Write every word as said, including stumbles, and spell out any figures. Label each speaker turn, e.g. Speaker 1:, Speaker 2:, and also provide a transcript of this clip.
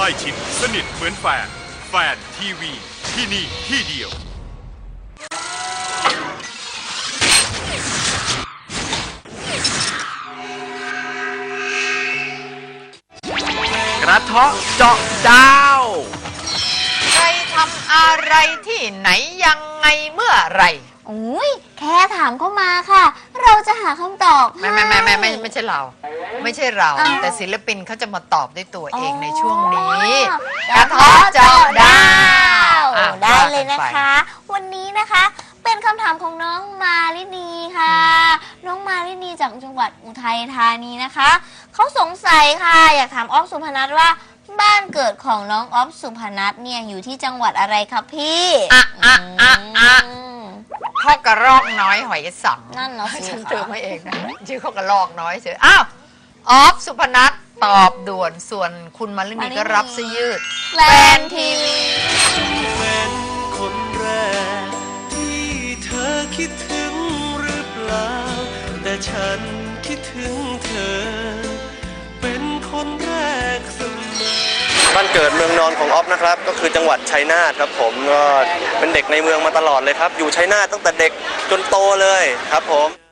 Speaker 1: ล้ชิดสนิทเหมือนแฟนแฟนทีวีที่นี่ที่เดียว
Speaker 2: กระเทาะเจาะดาว
Speaker 3: ใครทำอะไรที่ไหนยังไงเมื่อไหร
Speaker 4: อุ้ยแค่ถามเข้ามาค่ะ เราจะหาคำตอบ
Speaker 3: ไม่ไม่ไม่ไม่ไม่ไม่ใช่เรา ไม่ใช่เราแต่ศิลปินเขาจะมาตอบด้วยตัวเองในช่วงนี้กระเทาะเจาะดาว
Speaker 4: ได้เลยนะคะ วันนี้นะคะเป็นคำถามของน้องมาลินีค่ะน้องมาลินีจากจังหวัดอุทัยธานีนะคะเขาสงสัยค่ะอยากถามออฟสุพนัทว่าบ้านเกิดของน้องออฟสุพนัทเนี่ยอยู่ที่จังหวัดอะไรครับพี่
Speaker 3: อ่ะอ่ะอ่ะอ่ะข้อกระรอกน้อยหอยสัง
Speaker 4: นั่นเนาะ
Speaker 3: ฉันเติมมาเองนะชื่อข้อกระรอกน้อยเฉยอ้าวออฟสุพนัทตอบด่วนส่วนคุณมาลินีก็รับซะยืด
Speaker 4: แฟนทีวี
Speaker 5: เป็นคนแรกที่เธอคิดถึงหรือเปล่าแต่ฉันคิดถึงเธอเป็นคนแรกเสมอ
Speaker 6: บ้านเกิดเมืองนอนของออฟนะครับก็คือจังหวัดชัยนาทครับผมก็เป็นเด็กในเมืองมาตลอดเลยครับอยู่ชัยนาทตั้งแต่เด็กจนโตเลยครับผม